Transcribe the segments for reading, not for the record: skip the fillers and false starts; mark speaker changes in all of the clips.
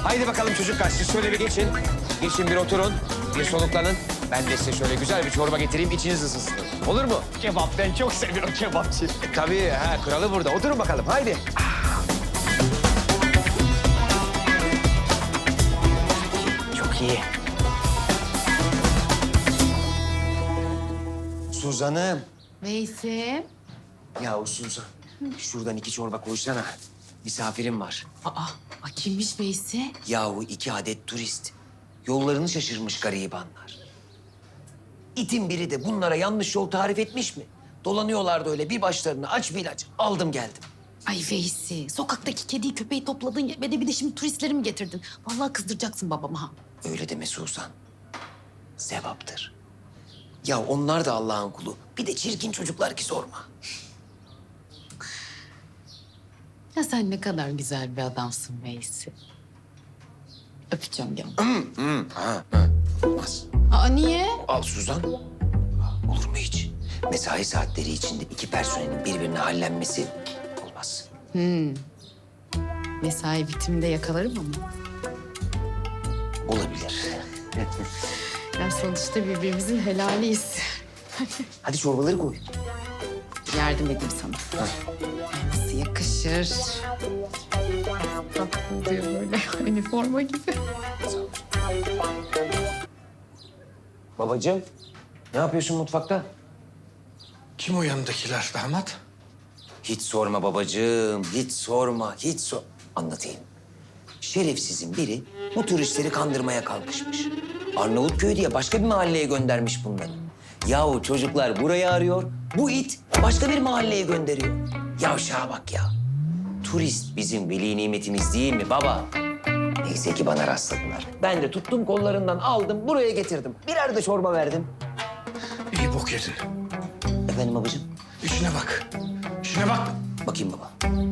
Speaker 1: Haydi bakalım çocuklar, siz şöyle bir geçin. Geçin bir oturun, bir soluklanın. Ben de size şöyle güzel bir çorba getireyim, içiniz ısınsın. Olur mu?
Speaker 2: Kebap, ben çok seviyorum kebapçı.
Speaker 1: Tabii, kralı burada. Oturun bakalım, haydi.
Speaker 2: Çok iyi.
Speaker 1: Suzan'ım.
Speaker 3: Veysel.
Speaker 1: Yahu Suzan, şuradan 2 çorba koysana. Misafirim var.
Speaker 3: Kimmiş Veysel?
Speaker 1: Yahu 2 adet turist. Yollarını şaşırmış garibanlar. İtin biri de bunlara yanlış yol tarif etmiş mi? Dolanıyorlardı öyle bir başlarına aç bir ilaç. Aldım geldim.
Speaker 3: Ay Veysel, sokaktaki kediyi köpeği topladın ya ve de bir de şimdi turistleri mi getirdin? Vallahi kızdıracaksın babama ha.
Speaker 1: Öyle deme Suzan. Sevaptır. Ya onlar da Allah'ın kulu. Bir de çirkin çocuklar ki sorma.
Speaker 3: Ya sen ne kadar güzel bir adamsın Veysel. Öpeceğim ya.
Speaker 1: Olmaz.
Speaker 3: Niye?
Speaker 1: Al Suzan. Olur mu hiç? Mesai saatleri içinde 2 personelin birbirine hallenmesi olmaz.
Speaker 3: Mesai bitiminde yakalarım ama.
Speaker 1: Olabilir.
Speaker 3: Ya sonuçta birbirimizin helaliyiz.
Speaker 1: Hadi çorbaları koy.
Speaker 3: Yardım edeyim sana. Ay, nasıl yakışır? Tatlı diyor böyle üniforma gibi.
Speaker 1: Babacığım, ne yapıyorsun mutfakta?
Speaker 4: Kim o yanındakiler damat?
Speaker 1: Hiç sorma babacığım, hiç sorma, Anlatayım. Şerefsizin biri bu turistleri kandırmaya kalkışmış. Arnavutköy diye başka bir mahalleye göndermiş bunları. Yahu çocuklar burayı arıyor, bu it başka bir mahalleye gönderiyor. Yavşağa bak ya. Turist bizim veli nimetimiz değil mi baba? Neyse ki bana rastladılar. Ben de tuttum kollarından aldım, buraya getirdim. Birer de çorba verdim.
Speaker 4: İyi bok yedin.
Speaker 1: Efendim babacığım?
Speaker 4: İşine bak. İşine bak.
Speaker 1: Bakayım baba.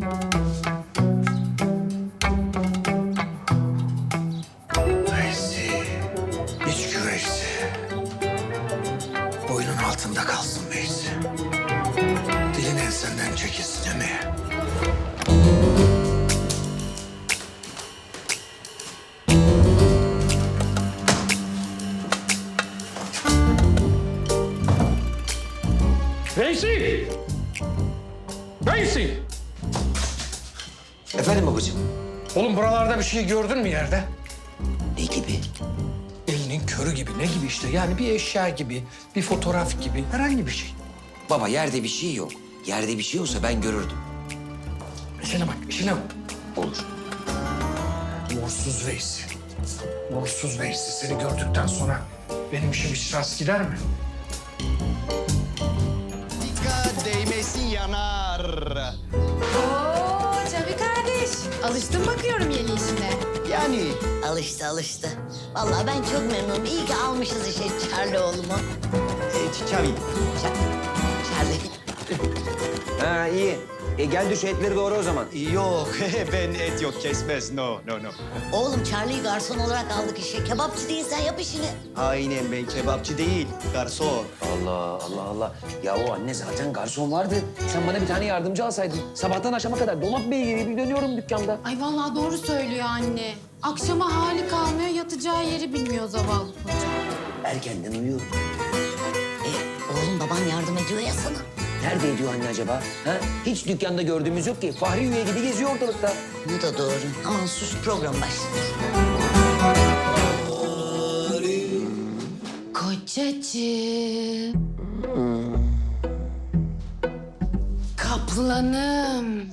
Speaker 4: Veysi. İç güveysi. Boynun altında kalsın Veysi. Dilin ensenden çekilsin değil mi?
Speaker 2: Veysi! Veysi!
Speaker 1: Efendim babacığım?
Speaker 4: Oğlum buralarda bir şey gördün mü yerde?
Speaker 1: Ne gibi?
Speaker 4: Elinin körü gibi. Ne gibi işte? Yani bir eşya gibi, bir fotoğraf gibi. Herhangi bir şey.
Speaker 1: Baba yerde bir şey yok. Yerde bir şey olsa ben görürdüm.
Speaker 4: İşine bak, işine bak.
Speaker 1: Olur.
Speaker 4: Uğursuz Veysi. Uğursuz Veysi. Seni gördükten sonra benim işim hiç rast gider mi?
Speaker 5: Dikkat değmesin yanar.
Speaker 3: Oo Çabi kardeş. Alıştın bakıyorum yeni işine.
Speaker 5: Yani
Speaker 6: Alıştı. Vallahi ben çok memnunum. İyi ki almışız işe Charlie oğlumu.
Speaker 5: Çavi.
Speaker 6: Charlie.
Speaker 1: Ha iyi. Gel düş etleri doğru o zaman.
Speaker 5: Yok ben et yok kesmez. No.
Speaker 6: Oğlum Charlie'yi garson olarak aldık işe. Kebapçı değilsen yap işini.
Speaker 5: Aynen ben kebapçı değil garson.
Speaker 1: Allah. Ya o anne zaten garson vardı. Sen bana bir tane yardımcı alsaydın. Sabahtan akşama kadar dolap beygiri gibi dönüyorum dükkanda.
Speaker 3: Ay vallahi doğru söylüyor anne. Akşama hali kalmıyor, yatacağı yeri bilmiyor zavallı koca.
Speaker 1: Erkenden uyuyorum.
Speaker 6: Oğlum baban yardım ediyor ya sana.
Speaker 1: Nerede ediyor anne acaba? Ha? Hiç dükkanda gördüğümüz yok ki. Fahri üye gibi geziyor ortalıkta.
Speaker 6: Bu da doğru. Aman sus program başladı.
Speaker 3: Kocacığım. Kaplanım.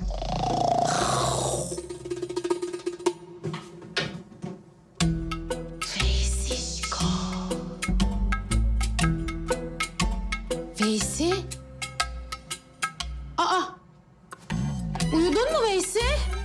Speaker 3: Veysişko. Veysi? Uyudun mu Veysi?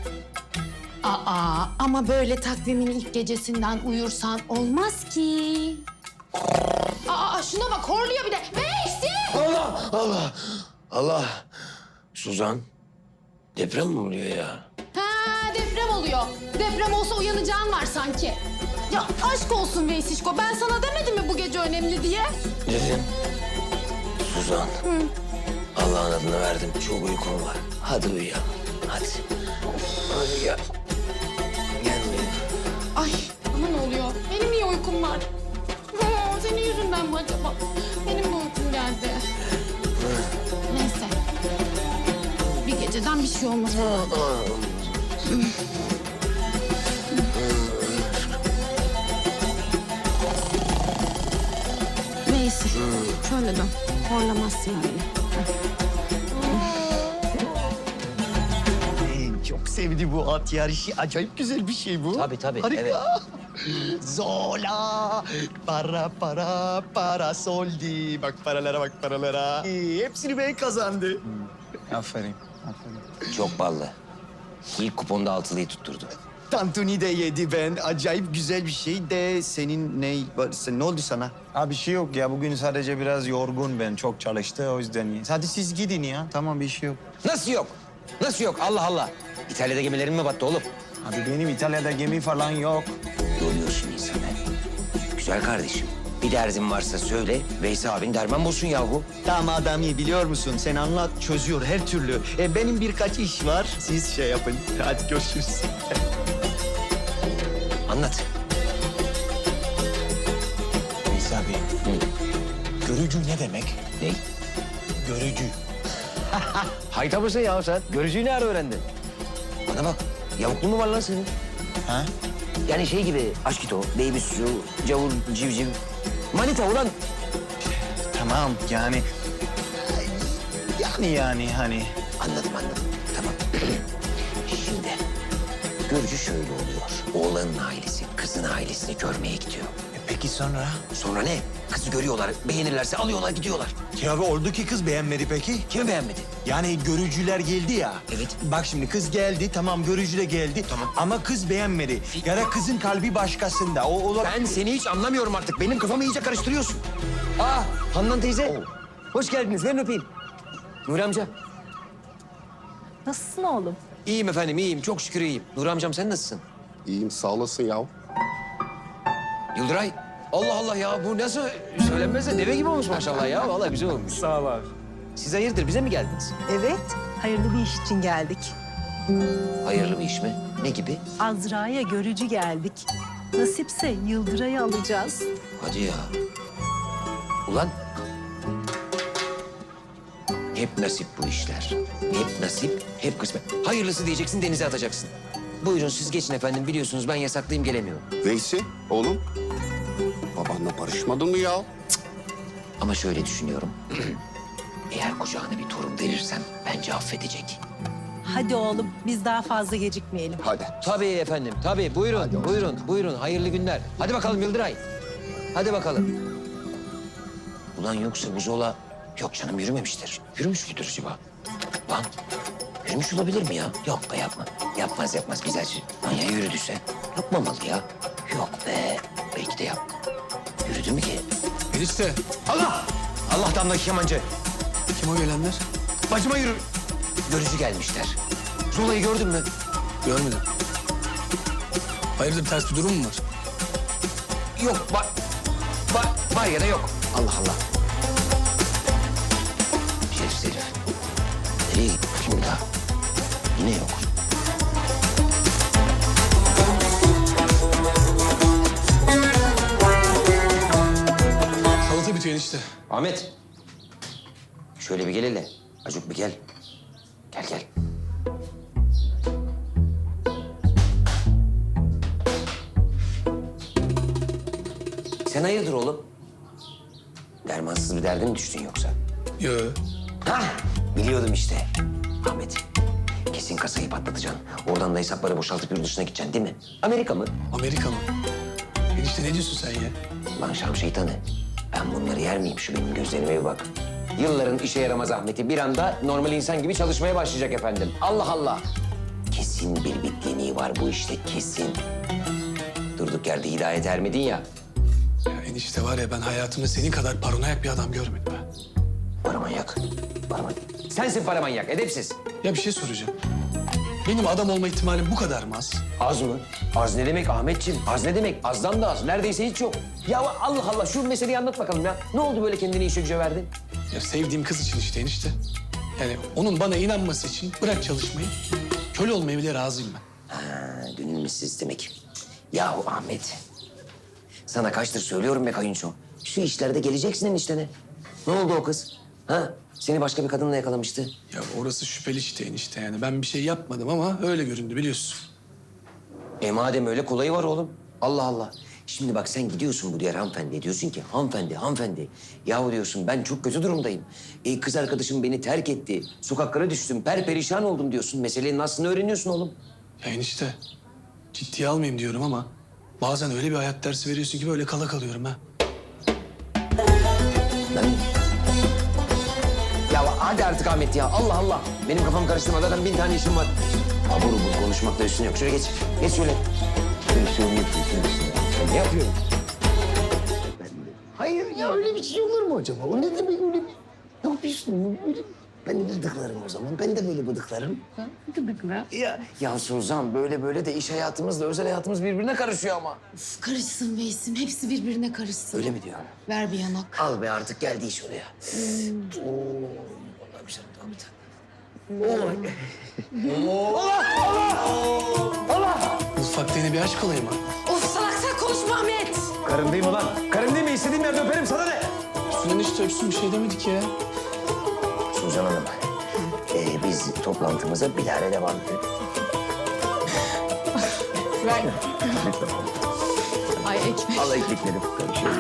Speaker 3: Ama böyle takvimin ilk gecesinden uyursan olmaz ki. Şuna bak horluyor bir de. Veysi!
Speaker 1: Allah. Suzan, deprem mi oluyor ya?
Speaker 3: Deprem oluyor. Deprem olsa uyanacağın var sanki. Ya aşk olsun Veysişko. Ben sana demedim mi bu gece önemli diye?
Speaker 1: Dedin. Suzan. Allah'ın adını verdim. Çok uykum var. Hadi uyuyalım. Hadi. Hadi gel. Gel uyuyalım.
Speaker 3: uyuyacağım mı acaba? Benim de uykum geldi. Neyse. Bir geceden bir şey olmaz. Neyse. Şöyle dön. Horlamazsın öyle.
Speaker 5: Çok sevdi bu at yarışı. Acayip güzel bir şey bu.
Speaker 1: Tabii, tabii,
Speaker 5: Harika.
Speaker 1: evet.
Speaker 5: Zola. Para soldi. Bak paralara bak paralara. Hepsini ben kazandı.
Speaker 2: Aferin.
Speaker 1: Çok ballı. İlk kuponda altılıyı tutturdu.
Speaker 5: Tantuni de yedi ben. Acayip güzel bir şey de senin ne oldu sana?
Speaker 2: Abi bir şey yok ya. Bugün sadece biraz yorgun ben. Çok çalıştı o yüzden. Hadi siz gidin ya. Tamam bir şey yok.
Speaker 1: Nasıl yok? Nasıl yok? Allah Allah. İtalya'da gemilerin mi battı oğlum?
Speaker 2: Abi benim İtalya'da gemi falan yok.
Speaker 1: Yoruyorsun insanı. Güzel kardeşim. Bir derdin varsa söyle. Veysi abin derman bulsun yahu.
Speaker 5: Tamam adamı biliyor musun? Sen anlat çözüyor her türlü. Benim birkaç iş var. Siz şey yapın. Hadi görüşürüz.
Speaker 1: Anlat.
Speaker 2: Neyse abi. Görücü ne demek?
Speaker 1: Ne?
Speaker 2: Görücü.
Speaker 1: Hayta mısın ya sen? Görücüyü ne ara öğrendin? Bana bak. Yavuklu mu var lan senin?
Speaker 2: Ha?
Speaker 1: Yani şey gibi aşkito, baby su, cavur, civciv. Manita ulan.
Speaker 2: Tamam yani. Yani hani.
Speaker 1: Anladım. Tamam. Şimdi görücü şöyle oluyor. Oğlanın ailesi kızın ailesini görmeye gidiyor.
Speaker 2: Peki sonra?
Speaker 1: Sonra ne? Kızı görüyorlar, beğenirlerse alıyorlar gidiyorlar.
Speaker 2: Ya abi oldu ki kız beğenmedi peki?
Speaker 1: Kimi beğenmedi?
Speaker 2: Yani görücüler geldi ya.
Speaker 1: Evet.
Speaker 2: Bak şimdi kız geldi, tamam görücü de geldi.
Speaker 1: Tamam.
Speaker 2: Ama kız beğenmedi. Ya da kızın kalbi başkasında. O
Speaker 1: Ben seni hiç anlamıyorum artık. Benim kafamı iyice karıştırıyorsun. Aa, Handan teyze. Hoş geldiniz. Verin öpeyim. Nuri amca.
Speaker 7: Nasılsın oğlum?
Speaker 1: İyiyim efendim, iyiyim. Çok şükür iyiyim. Nuri amcam sen nasılsın?
Speaker 8: İyiyim sağ olasın ya.
Speaker 1: Yıldıray. Allah Allah ya bu nasıl söylenmez de deve gibi olmuş maşallah ya. Vallahi güzel olmuş.
Speaker 2: Sağ ol abi.
Speaker 1: Siz hayırdır bize mi geldiniz?
Speaker 7: Evet, hayırlı bir iş için geldik.
Speaker 1: Hayırlı bir iş mi? Ne gibi?
Speaker 7: Azra'ya görücü geldik. Nasipse Yıldıray'ı alacağız.
Speaker 1: Hadi ya. Ulan. Hep nasip bu işler. Hep nasip, hep kısmet. Hayırlısı diyeceksin, denize atacaksın. Buyurun siz geçin efendim. Biliyorsunuz ben yasaklıyım, gelemiyorum.
Speaker 8: Veysi oğlum. Babanla barışmadın mı ya?
Speaker 1: Ama şöyle düşünüyorum. Eğer kucağına bir torun verirsem bence affedecek.
Speaker 7: Hadi oğlum, biz daha fazla gecikmeyelim.
Speaker 8: Hadi.
Speaker 1: Tabii efendim, tabii. Buyurun, buyurun. Hayırlı günler. Hadi bakalım Yıldıray. Hadi bakalım. Ulan yoksa bu Zola... Yok canım yürümemiştir. Yürümüş müdür acaba? Lan yürümüş olabilir mi ya? Yok be yapma. Yapmaz güzelce. Lan ya yürüdüyse? Yapmamalı ya. Yok be. Belki de yap. Yürüdü mü ki?
Speaker 4: Enişte,
Speaker 1: Allah! Allah damdaki kemancı.
Speaker 4: kim o gelenler?
Speaker 1: Bacıma yürü. Görücü gelmişler. Zola'yı gördün mü?
Speaker 4: Görmedim. Hayırdır ters bir durum mu var?
Speaker 1: Yok var ya da yok. Allah Allah. Şerif. Nereye gitti şimdi daha? Yine yok.
Speaker 4: Salata bitiyor enişte.
Speaker 1: Ahmet. Şöyle bir gel hele. Acuk bir gel. Gel. Sen hayırdır oğlum? Dermansız bir derde mi düştün yoksa?
Speaker 4: Yo.
Speaker 1: Hah, biliyordum işte. Ahmet, kesin kasayı patlatacaksın. Oradan da hesapları boşaltıp yurt dışına gideceksin değil mi? Amerika mı?
Speaker 4: Amerika mı? Enişte ne diyorsun sen ya?
Speaker 1: Lan Şam şeytanı. Ben bunları yer miyim? Şu benim gözlerime bir bak. Yılların işe yaramaz Ahmet'i bir anda normal insan gibi çalışmaya başlayacak efendim. Allah Allah. Kesin bir bitkinliği var bu işte, kesin. Durduk yerde hidayet ermedin ya.
Speaker 4: Ya enişte var ya ben hayatımda senin kadar paranoyak bir adam görmedim ha.
Speaker 1: Paramanyak. Sensin paramanyak, edepsiz.
Speaker 4: Ya bir şey soracağım. Benim adam olma ihtimalim bu kadar mı az?
Speaker 1: Az mı? Az ne demek Ahmetciğim? Az ne demek? Azdan da az. Neredeyse hiç yok. Ya Allah Allah şu meseleyi anlat bakalım ya. Ne oldu böyle kendini işe güce verdin?
Speaker 4: Ya sevdiğim kız için işte enişte. Yani onun bana inanması için bırak çalışmayı. Köle olmaya bile razıyım ben.
Speaker 1: Ha, gönül misiniz demek. Yahu Ahmet. Sana kaçtır söylüyorum be kayınço. Şu işlerde geleceksin eniştene. Ne oldu o kız? Ha? Seni başka bir kadınla yakalamıştı.
Speaker 4: Ya orası şüpheli işte enişte yani. Ben bir şey yapmadım ama öyle göründü biliyorsun.
Speaker 1: Madem öyle kolayı var oğlum. Allah Allah. Şimdi bak sen gidiyorsun bu diğer hanımefendiye. Diyorsun ki hanımefendi. Yahu diyorsun ben çok kötü durumdayım. Kız arkadaşım beni terk etti. Sokaklara düştüm. Perperişan oldum diyorsun. Meselenin aslını öğreniyorsun oğlum.
Speaker 4: Ya enişte ciddiye almayayım diyorum ama bazen öyle bir hayat dersi veriyorsun ki böyle kala kalıyorum ha.
Speaker 1: Ben... Ya hadi artık Ahmet ya. Allah Allah. Benim kafam karıştırma. Zaten 1000 tane işim var. Abur ubur konuşmakta üstüne yok. Şöyle geç. Geç şöyle. Şöyle yapıyorsun. Ben ne yapıyorum? Hayır ya öyle bir şey olur mu acaba? O ne demek öyle? Ne yapıyorsun? Öyle... Ben de bıdıklarım o zaman. Ben de böyle bıdıklarım. Bıdıklar. Ya Suzan böyle de iş hayatımızla özel hayatımız birbirine karışıyor ama.
Speaker 3: Uf, karışsın Veysim. Hepsi birbirine karışsın.
Speaker 1: Öyle mi diyorsun?
Speaker 3: Ver bir yanak.
Speaker 1: Al be artık geldi iş oraya. Oo, vallahi bir şey daha bir tane.
Speaker 4: Mutfakta yine bir aşk olayı mı?
Speaker 3: Of salak sen konuşma Ahmet.
Speaker 2: Karım değil mi lan? Karım değil mi? İstediğim yerde öperim, sana ne?
Speaker 4: Üstüne enişte öpsün bir şey demedik ya.
Speaker 1: Suzan Hanım, biz toplantımıza bilahare devam edelim.
Speaker 3: Ver. Ay ekmek.
Speaker 1: Al ekmekleri. Şöyle.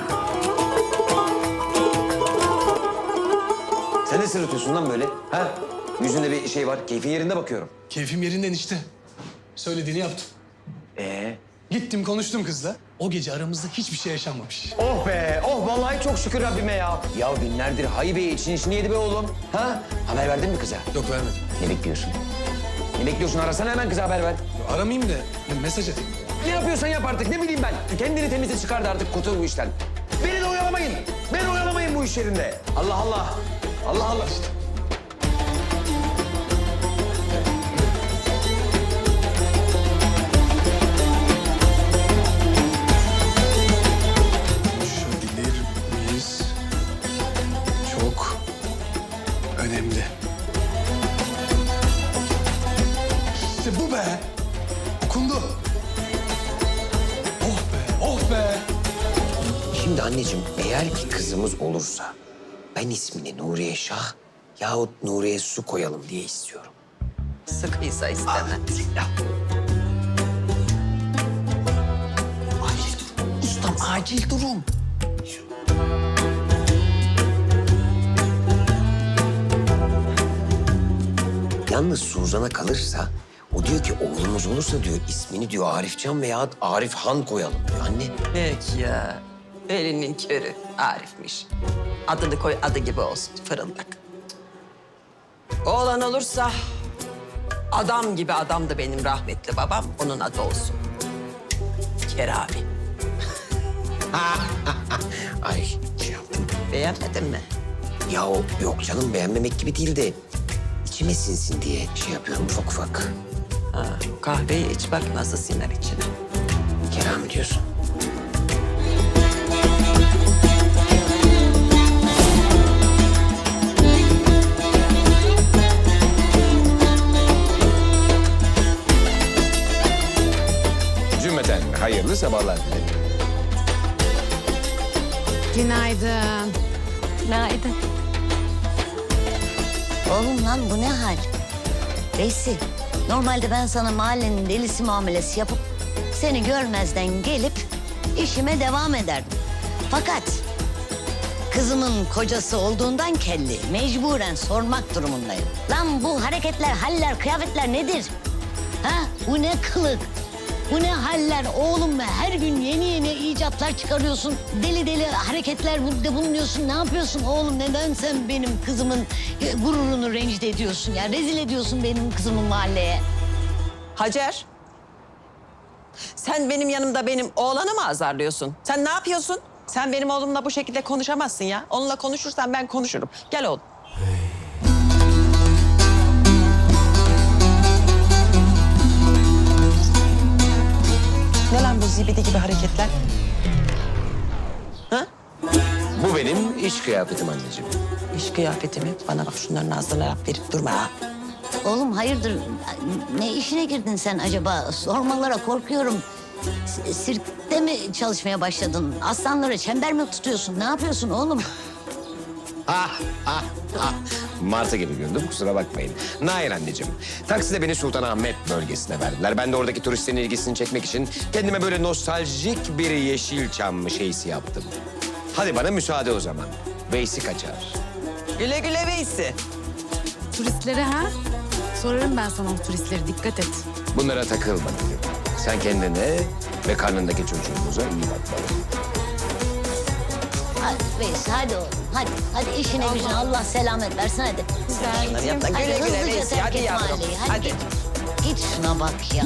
Speaker 1: Sen ne sırıtıyorsun lan böyle? Ha? Yüzünde bir şey var. Keyfin yerinde bakıyorum.
Speaker 4: Keyfim yerinde enişte. Söylediğini yaptım. Gittim konuştum kızla. O gece aramızda hiçbir şey yaşanmamış.
Speaker 2: Oh be, oh vallahi çok şükür Rabbime ya.
Speaker 1: Ya günlerdir Haybe için işini yedi be oğlum. Ha? Haber verdin mi kıza?
Speaker 4: Yok vermedim.
Speaker 1: Ne bekliyorsun? Ne bekliyorsun? Arasana hemen kıza haber ver.
Speaker 4: Aramayayım da mesaj atayım.
Speaker 1: Ne yapıyorsan yap artık. Ne bileyim ben. Kendini temize çıkardı artık. Kurtul bu işten. Beni de oyalamayın. Beni oyalamayın bu iş yerinde. Allah Allah. Allah Allah.
Speaker 4: Konuşabilir miyiz? Çok önemli. İşte bu be. Okundu. Oh be, oh be.
Speaker 1: Şimdi anneciğim eğer ki kızımız olursa ben ismini Nuriye Şah yahut Nuriye Su koyalım diye istiyorum.
Speaker 9: Sıkıysa istemem. Acil durum. Ustam acil durum.
Speaker 1: Yalnız Suzan'a kalırsa o diyor ki oğlumuz olursa diyor ismini diyor Arifcan veya Arif Han koyalım diyor anne.
Speaker 9: Peki ya. Elinin körü Arif'miş. Adını koy adı gibi olsun fırıldak. Oğlan olursa adam gibi adamdı benim rahmetli babam. Onun adı olsun. Kerami.
Speaker 1: Ay şey yaptım.
Speaker 9: Beğenmedin mi?
Speaker 1: Ya yok canım beğenmemek gibi değil de içime sinsin diye şey yapıyorum ufak ufak.
Speaker 9: Ha, kahveyi iç bak nasıl siner içine.
Speaker 1: Kerami diyorsun.
Speaker 10: Cümleten hayırlı sabahlar dilerim.
Speaker 3: Günaydın.
Speaker 7: Günaydın.
Speaker 6: Oğlum lan bu ne hal? Veysi, normalde ben sana mahallenin delisi muamelesi yapıp seni görmezden gelip işime devam ederdim. Fakat kızımın kocası olduğundan kelli mecburen sormak durumundayım. Lan bu hareketler, haller, kıyafetler nedir? Ha? Bu ne kılık? Bu ne haller oğlum be? Her gün yeni yeni icatlar çıkarıyorsun. Deli deli hareketler bulunuyorsun. Ne yapıyorsun oğlum? Neden sen benim kızımın gururunu rencide ediyorsun ya? Rezil ediyorsun benim kızımı mahalleye.
Speaker 9: Hacer. Sen benim yanımda benim oğlanı mı azarlıyorsun? Sen ne yapıyorsun? Sen benim oğlumla bu şekilde konuşamazsın ya. Onunla konuşursan ben konuşurum. Gel oğlum. Ne lan bu zibidi gibi hareketler? Ha?
Speaker 1: Bu benim iş kıyafetim anneciğim.
Speaker 9: İş kıyafeti mi? Bana bak şunların ağzına laf verip durma ha.
Speaker 6: Oğlum hayırdır? Ne işine girdin sen acaba? Sormalara korkuyorum. Sirkte mi çalışmaya başladın? Aslanlara çember mi tutuyorsun? Ne yapıyorsun oğlum?
Speaker 10: Martı gibi güldüm, kusura bakmayın. Nair anneciğim, takside beni Sultanahmet bölgesine verdiler. Ben de oradaki turistlerin ilgisini çekmek için kendime böyle nostaljik bir Yeşilçam şeysi yaptım. Hadi bana müsaade o zaman. Veysi kaçar.
Speaker 9: Güle güle Veysi.
Speaker 3: Turistlere ha? Sorarım ben sana o turistleri, dikkat et.
Speaker 10: Bunlara takılma dedim. Sen kendine ve karnındaki çocuğumuza iyi bakmalısın.
Speaker 6: Hadi Veys, hadi oğlum. Hadi işine gücüne Allah selamet versin hadi.
Speaker 9: Bunları yapma. Güle güle
Speaker 6: hızlıca
Speaker 9: Veysi.
Speaker 6: terk
Speaker 9: Hadi
Speaker 6: et
Speaker 9: yavrum.
Speaker 6: mahalleyi.
Speaker 9: Hadi.
Speaker 6: Git şuna bak ya.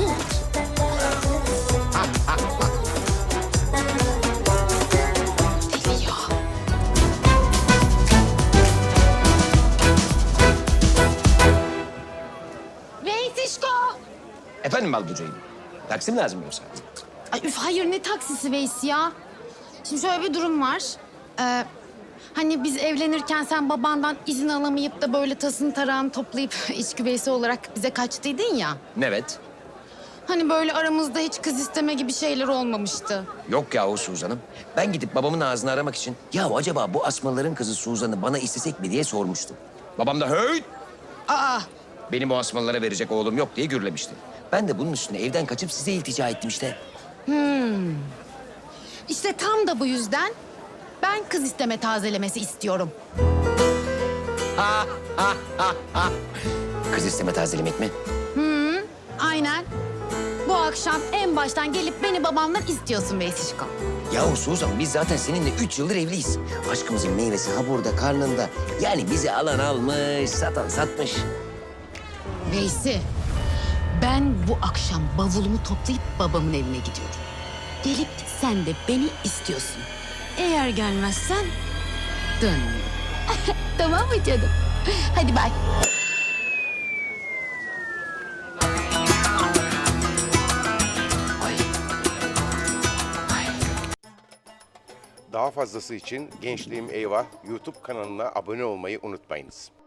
Speaker 3: Veysişko!
Speaker 10: Efendim Balbucayım, taksi mi lazım yoksa?
Speaker 3: Ay üf, hayır ne taksisi Veys ya? Şimdi şöyle bir durum var. Hani biz evlenirken sen babandan izin alamayıp da böyle tasını tarağını toplayıp iç güveysi olarak bize kaçtıydın ya.
Speaker 10: Evet.
Speaker 3: Hani böyle aramızda hiç kız isteme gibi şeyler olmamıştı.
Speaker 10: Yok yahu Suzan'ım. Ben gidip babamın ağzını aramak için... ...ya acaba bu asmaların kızı Suzan'ı bana istesek mi diye sormuştum. Babam da hey!
Speaker 3: Aa,
Speaker 10: Benim o asmalara verecek oğlum yok diye gürlemişti. Ben de bunun üstüne evden kaçıp size iltica ettim işte.
Speaker 3: işte tam da bu yüzden ben kız isteme tazelemesi istiyorum.
Speaker 10: Kız isteme tazelemek mi?
Speaker 3: Aynen. Bu akşam en baştan gelip beni babamdan istiyorsun Veysişko.
Speaker 1: Yahu Suzan biz zaten seninle 3 yıldır evliyiz. Aşkımızın meyvesi ha burada karnında. Yani bizi alan almış, satan satmış.
Speaker 3: Veysi, ben bu akşam bavulumu toplayıp babamın evine gidiyorum. Gelip sen de beni istiyorsun. Eğer gelmezsen dönmüyorum. Tamam mı canım? Hadi bay.
Speaker 11: Daha fazlası için Gençliğim Eyvah YouTube kanalına abone olmayı unutmayınız.